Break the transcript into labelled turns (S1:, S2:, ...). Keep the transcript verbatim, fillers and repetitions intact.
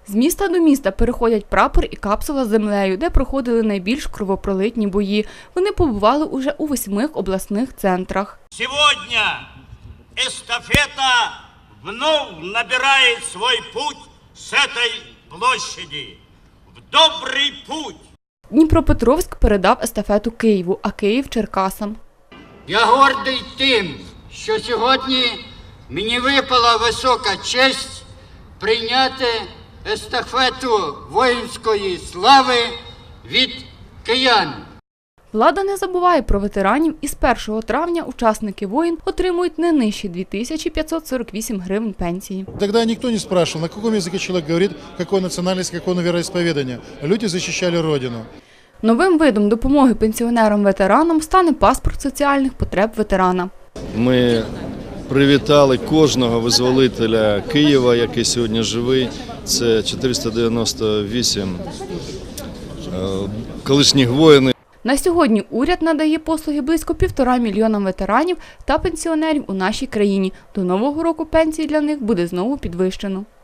S1: З міста до міста переходять прапор і капсула з землею, де проходили найбільш кровопролитні бої. Вони побували уже у восьми обласних центрах.
S2: Сьогодні естафета вновь набирає свій путь з цієї площади. В добрий путь!
S1: Дніпропетровськ передав естафету Києву, а Київ – Черкасам.
S3: Я гордий тим, що сьогодні мені випала висока честь прийняти естафету воїнської слави від киян.
S1: Влада не забуває про ветеранів, і з першого травня учасники воїн отримують не нижче дві тисячі п'ятсот сорок вісім гривень пенсії.
S4: Тогда никто не спрашивал, на каком языке человек говорит, какой национальность, какое вероисповедание. Люди защищали Родину.
S1: Новим видом допомоги пенсіонерам-ветеранам стане паспорт соціальних потреб ветерана.
S5: Ми привітали кожного визволителя Києва, який сьогодні живий. Це чотириста дев'яносто вісім колишніх воїнів.
S1: На сьогодні уряд надає послуги близько півтора мільйонам ветеранів та пенсіонерів у нашій країні. До Нового року пенсії для них буде знову підвищено.